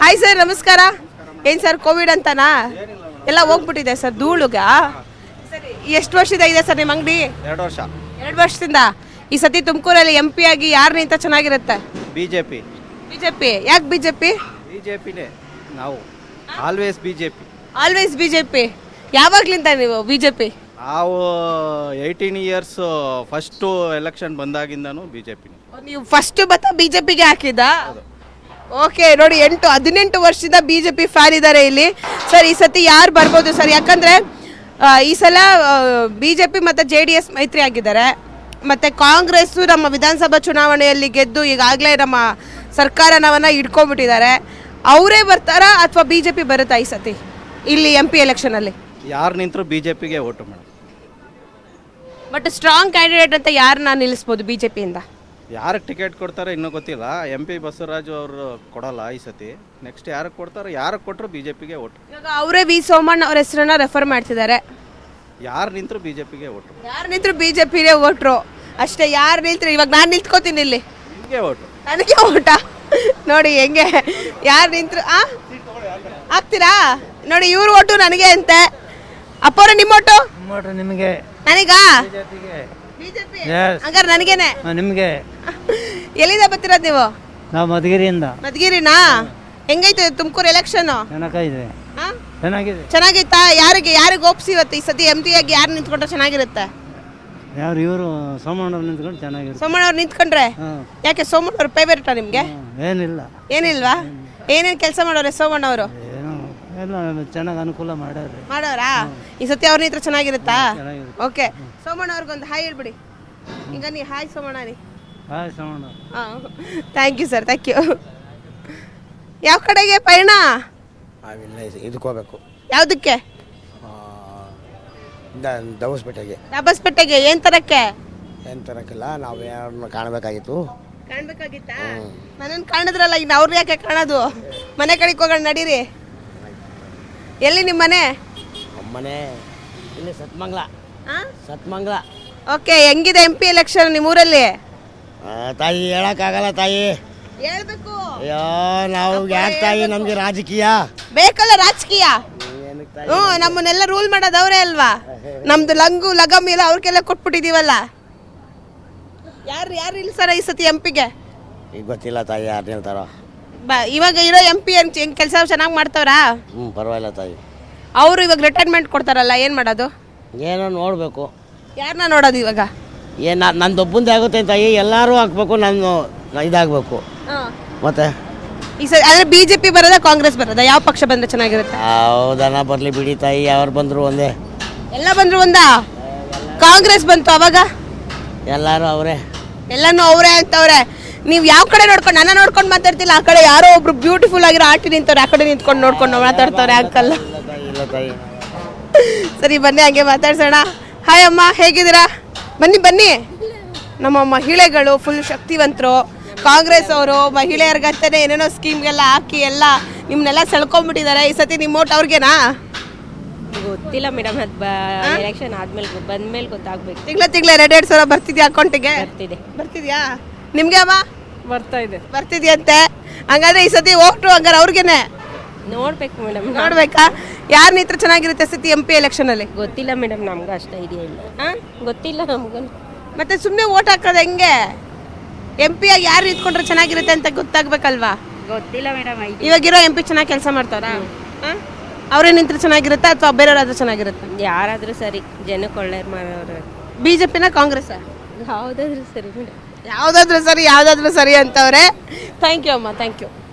Hi sir, ನಮಸ್ಕಾರ. ಏನು sir Covid ಅಂತನಾ ಎಲ್ಲ ಹೋಗ್ಬಿಟ್ಟಿದೆ ಸರ್ ಧೂಳುಗ? ಸರಿ, ಎಷ್ಟು ವರ್ಷದ ಇದೆ ಸರ್ ನಿಮ್ಮ ಅಂಗಡಿ? 2 ವರ್ಷ. 2 ವರ್ಷದಿಂದ. ಈ ಸತಿ ತುಮಕೂರಲ್ಲಿ MP ಆಗಿ ಯಾರು ನಿಂತ ಚೆನ್ನಾಗಿರುತ್ತೆ? ಬಿಜೆಪಿ. ಯಾಕೆ ಬಿಜೆಪಿ? ಬಿಜೆಪಿನೇ ನಾವು ಆಲ್ವೇಸ್ ಬಿಜೆಪಿ. Always BJP. ಯಾವಾಗ್ಲಿಂದ ನೀವು ಬಿಜೆಪಿ? ನಾವು 18 ಇಯರ್ಸ್ ಫಸ್ಟು ಎಲೆಕ್ಷನ್ ಬಂದಾಗಿಂದನೂ ಬಿಜೆಪಿನೇ. ನೀವು ಫಸ್ಟ್ ಬಿಜೆಪಿಗೆ ಹಾಕಿದ್ದ? ಓಕೆ, ನೋಡಿ 18 ವರ್ಷದಿಂದ ಬಿಜೆಪಿ ಫ್ಯಾನ್ ಇದ್ದಾರೆ ಇಲ್ಲಿ. ಸರ್, ಈ ಸತಿ ಯಾರು ಬರ್ಬೋದು ಸರ್? ಯಾಕಂದ್ರೆ ಈ ಸಲ ಬಿಜೆಪಿ ಮತ್ತು JDS ಮೈತ್ರಿ ಆಗಿದ್ದಾರೆ. ಮತ್ತು ಕಾಂಗ್ರೆಸ್ಸು ನಮ್ಮ ವಿಧಾನಸಭಾ ಚುನಾವಣೆಯಲ್ಲಿ ಗೆದ್ದು ಈಗಾಗಲೇ ನಮ್ಮ ಸರ್ಕಾರನವನ್ನ ಇಟ್ಕೊಂಡ್ಬಿಟ್ಟಿದ್ದಾರೆ. ಅವರೇ ಬರ್ತಾರಾ ಅಥವಾ ಬಿಜೆಪಿ ಬರುತ್ತಾ ಈ ಸತಿ ಇಲ್ಲಿ MP ಎಲೆಕ್ಷನಲ್ಲಿ? ಯಾರು ನಿಂತರೂ ಬಿಜೆಪಿಗೆ vote madam. But strong candidate ಅಂತ ಯಾರನ್ನ ನಿಲ್ಲಿಸ್ಬೋದು ಬಿಜೆಪಿಯಿಂದ? ಯಾರಿಗೆ ಟಿಕೆಟ್ ಕೊಡ್ತಾರೆ ಇನ್ನೂ ಗೊತ್ತಿಲ್ಲ. MP ಬಸವರಾಜು ಅವರು ಕೊಡಲ್ಲ ಈ ಸತಿ. ನೆಕ್ಸ್ಟ್ ಯಾರಿಗೆ ಕೊಡ್ತಾರೆ, ಯಾರಿಗೆ ಕೊಟ್ಟರು ಬಿಜೆಪಿಗೆ ಓಟು. ಇವಾಗ ಅವರೇ V ಸೋಮಣ್ಣ ಅವ್ರ ಹೆಸರನ್ನ ರೆಫರ್ ಮಾಡ್ತಿದ್ದಾರೆ. ಯಾರು ನಿಂತರೂ ಬಿಜೆಪಿಗೆ ಓಟು. ಯಾರು ನಿಂತರು ಬಿಜೆಪಿಗೆ ಓಟ್ರು ಅಷ್ಟೇ. ಯಾರು ನಿಲ್ತ್ರು, ಇವಾಗ ನಾನು ನಿಂತ್ಕೋತೀನಿ ಇಲ್ಲಿ, ನಿಮಗೆ ಓಟು. ನನಗೆ ಓಟ. ನೋಡಿ ಹೆಂಗೆ ಯಾರು ನಿಂತರು ಹಾಕ್ತೀರಾ? ನೋಡಿ ಇವ್ರ ಓಟು ನನಗೆ ಅಂತೆ. ಅಪ್ಪವ್ರ ನಿಮ್ಮ ಓಟು? ನಿಮಗೆ. ನನಗಾ? ಬಿಜೆಪಿ. ಹಂಗಾರೆ ನನಗೇನೆ. ನಿಮಗೆ. ಎಲ್ಲಿಂದ ಬರ್ತಿರೋದು ನೀವು? ನಾವು ಮಧುಗಿರಿಯಿಂದ. ಮಧುಗಿರಿನಾ? ಹೆಂಗೈತೆ ತುಮಕೂರು ಎಲೆಕ್ಷನ್? ಚೆನ್ನಾಗಿದೆ. ಚೆನ್ನಾಗಿದೆ. ಚೆನ್ನಾಗೈತಾ? ಯಾರಿಗೆ ಒಪ್ಸಿ ಇವತ್ತು ಈ ಸತಿ MP ಆಗಿ ಯಾರು ನಿಂತ್ಕೊಂಡ್ರೆ ಚೆನ್ನಾಗಿರುತ್ತೆ? ಯಾರು ಇವರು ಸೋಮಣ್ಣ ನಿಂತ್ಕೊಂಡು ಚೆನ್ನಾಗಿರುತ್ತೆ. ಸೋಮಣ್ಣ ಅವ್ರು ನಿಂತ್ಕೊಂಡ್ರೆ ಯಾಕೆ? ಸೋಮಣ್ಣ ಅವ್ರ ಫೇವರೇಟಾ ನಿಮ್ಗೆ? ಏನಿಲ್ಲ. ಏನಿಲ್ವಾ? ಏನೇನು ಕೆಲಸ ಮಾಡೋರೆ ಸೋಮಣ್ಣ ಅವರು? ಏನೋ ಎಲ್ಲ ಚೆನ್ನಾಗಿ ಅನುಕೂಲ ಮಾಡೋರಾ? ಈ ಸತಿ ಅವ್ರ ನಿಂತ್ರೆ ಚೆನ್ನಾಗಿರುತ್ತಾ? ಚೆನ್ನಾಗಿರುತ್ತೆ. ಓಕೆ, ಸೋಮಣ್ಣ ಅವ್ರಿಗೊಂದು ಹಾಯ್ ಹೇಳ್ಬಿಡಿ. ಈಗ ನೀ ಹಾಯ್ ಸೋಮಣ್ಣ ನೀ. Hi Somanna. Thank you sir, thank you. ಯಾವ ಕಡೆಗೆ ಪಯಣ? ಇದಕ್ಕೆ ಹೋಗ್ಬೇಕು. ಯಾವುದಕ್ಕೆ? ದಬಸ್ಪೇಟೆಗೆ. ಏನು ತರಕ್ಕೆ? ಏನು ತರಕ್ಕಿಲ್ಲ, ನಾವು ಯಾರನ್ನ ಕಾಣಬೇಕಾಗಿತ್ತು. ಕಾಣ್ಬೇಕಾಗಿತ್ತಾ? ನನ್ನನ್ನು ಕಾಣಿದ್ರಲ್ಲ, ಇನ್ನು ಅವ್ರನ್ನ ಯಾಕೆ ಕಾಣೋದು? ಮನೆ ಕಡೆಗೆ ಹೋಗೋಣ ನಡೀರಿ. ಎಲ್ಲಿ ನಿಮ್ಮ ಮನೆ? ಮನೆ ಇಲ್ಲಿ ಸತ್ಮಂಗ್ಲ. ಓಕೆ, ಹೆಂಗಿದೆ MP ಎಲೆಕ್ಷನ್ ನಿಮ್ಮೂರಲ್ಲಿ? ತಾಯಿ ಹೇಳಕ್ಕಾಗಲ್ಲ ತಾಯಿ. ಹೇಳ್ಬೇಕು. ಅಯ್ಯೋ, ನಾವು ಯಾಕೆ ತಾಯಿ, ನಮಗೆ ರಾಜಕೀಯ ಬೇಕಲ್ಲ. ರಾಜಕೀಯ ನಮ್ಮನ್ನೆಲ್ಲ ರೂಲ್ ಮಾಡೋದು ಅವರೇ ಅಲ್ವಾ? ನಮ್ದು ಲಂಗು ಲಗಮ್ ಎಲ್ಲ ಅವ್ರಿಗೆಲ್ಲ ಕೊಟ್ಬಿಟ್ಟಿದೀವಲ್ಲ. ಯಾರು ಇಲ್ಲ ಸರ ಈ ಸತಿ MP-ಗೆ? ಈಗ ಗೊತ್ತಿಲ್ಲ ತಾಯಿ, ಯಾರು ಹೇಳ್ತಾರೋ. ಇವಾಗ ಇರೋ MP ಹೆಂಗ್ ಕೆಲಸ ಚೆನ್ನಾಗಿ ಮಾಡ್ತಾವ್ರಾ? ಪರವಾಗಿಲ್ಲ ತಾಯಿ. ಅವರು ಇವಾಗ ರಿಟೈರ್ಮೆಂಟ್ ಕೊಡ್ತಾರಲ್ಲ, ಏನು ಮಾಡೋದು? ಏನೋ ನೋಡಬೇಕು. ಯಾರನ್ನ ನೋಡೋದು ಇವಾಗ? ನಂದೊಬ್ಬಂದೇ ಆಗುತ್ತೆ ತಾಯಿ, ಎಲ್ಲರೂ ಹಾಕ್ಬೇಕು, ನಾನು ಇದಾಗಬೇಕು. ಮತ್ತೆ ಈ ಸರಿ ಆದರೆ BJP ಬರೋದಾ ಕಾಂಗ್ರೆಸ್ ಬರೋದಾ? ಯಾವ ಪಕ್ಷ ಬಂದ್ರೆ ಚೆನ್ನಾಗಿರುತ್ತೆ? ಹೌದನ ಬರಲಿ ಬಿಡಿ ತಾಯಿ, ಯಾರು ಬಂದರು ಒಂದೇ. ಎಲ್ಲ ಬಂದ್ರು ಒಂದಾ? ಕಾಂಗ್ರೆಸ್ ಬಂತು ಅವಾಗ? ಎಲ್ಲರೂ ಅವರೇ. ಎಲ್ಲನೂ ಅವರೇ ಅಂತವ್ರೆ. ನೀವು ಯಾವ ಕಡೆ ನೋಡ್ಕೊಂಡು ನನ್ನ ನೋಡ್ಕೊಂಡು ಮಾತಾಡ್ತಿಲ್ಲ, ಆ ಕಡೆ ಯಾರೋ ಒಬ್ರು ಬ್ಯೂಟಿಫುಲ್ ಆಗಿರೋ ಆಂಟಿ ನಿಂತವ್ರೆ, ಆ ಕಡೆ ನಿಂತ್ಕೊಂಡು ನೋಡ್ಕೊಂಡು ಮಾತಾಡ್ತವ್ರೆ ಅಂಕಲ್. ಸರಿ, ಬನ್ನಿ ಹಂಗೆ ಮಾತಾಡ್ಸೋಣ. ಹಾಯ್ ಅಮ್ಮ, ಹೇಗಿದ್ದೀರಾ? ಬನ್ನಿ. ನಮ್ಮ ಮಹಿಳೆಗಳು ಫುಲ್ ಶಕ್ತಿವಂತರು. ಕಾಂಗ್ರೆಸ್ ಅವರು ಮಹಿಳೆಯರಿಗಂತಾನೆ ಏನೇನೋ ಸ್ಕೀಮ್ಗೆಲ್ಲ ಹಾಕಿ ಎಲ್ಲ ನಿಮ್ಮನ್ನೆಲ್ಲ ಸೆಳ್ಕೊಂಡ್ಬಿಟ್ಟಿದ್ದಾರೆ. ಈ ಸತಿ ನಿಮ್ಮ ಓಟ್ ಅವ್ರಿಗೆನಾ? ಗೊತ್ತಿಲ್ಲ ಮೇಡಮ್, ಅದು ಎಲೆಕ್ಷನ್ ಆದ್ಮೇಲೆ ಬಂದ್ಮೇಲೆ ಗೊತ್ತಾಗ್ಬೇಕು. ತಿಂಗಳ 2,000 ಬರ್ತಿದ್ಯಾ ಅಕೌಂಟಿಗೆ? ಬರ್ತಿದ್ಯಾ? ನಿಮ್ಗೆ ಅಮ್ಮ ಬರ್ತಿದ್ಯಂತೆ. ಹಂಗಾದ್ರೆ ಈ ಸತಿ ಓಟು ಹಂಗಾರೆ ಅವ್ರಿಗೆನೆ ನೋಡ್ಬೇಕು ಮೇಡಮ್. ನೋಡ್ಬೇಕಾ? ಯಾರು ನಿಂತ್ರೆ ಚೆನ್ನಾಗಿರುತ್ತೆ ಸತಿ MP ಎಲೆಕ್ಷನ್ ಅಲ್ಲಿ? ಗೊತ್ತಿಲ್ಲ ಮೇಡಮ್, ನಮ್ಗೆ ಅಷ್ಟು ಐಡಿಯಾ ಇಲ್ಲ. ಗೊತ್ತಿಲ್ಲ ನಮ್ಗೂ. ಮತ್ತೆ ಸುಮ್ಮನೆ ಓಟ್ ಹಾಕೋದು ಹೆಂಗೆ? MP ಆಗಿ ಯಾರು ನಿಂತ್ಕೊಂಡ್ರೆ ಚೆನ್ನಾಗಿರುತ್ತೆ ಅಂತ ಗೊತ್ತಾಗ್ಬೇಕಲ್ವಾ? ಗೊತ್ತಿಲ್ಲ ಮೇಡಮ್. ಇವಾಗಿರೋ MP ಚೆನ್ನಾಗಿ ಕೆಲಸ ಮಾಡ್ತಾರಾ? ಅವರೇ ನಿಂತ್ರೆ ಚೆನ್ನಾಗಿರುತ್ತೆ ಅಥವಾ ಬೇರೆಯವರಾದ್ರೂ ಚೆನ್ನಾಗಿರುತ್ತೆ? ಯಾರಾದ್ರೂ ಸರಿ, ಜನಕ್ಕೆ ಒಳ್ಳೆಯವ್ರು ಮಾಡೋರು. BJP-ನ ಕಾಂಗ್ರೆಸ್? ಯಾವುದಾದ್ರೂ ಸರಿ ಮೇಡಮ್. ಯಾವುದಾದ್ರೂ ಸರಿ ಅಂತವ್ರೆ. ಥ್ಯಾಂಕ್ ಯು ಅಮ್ಮ, ಥ್ಯಾಂಕ್ ಯು.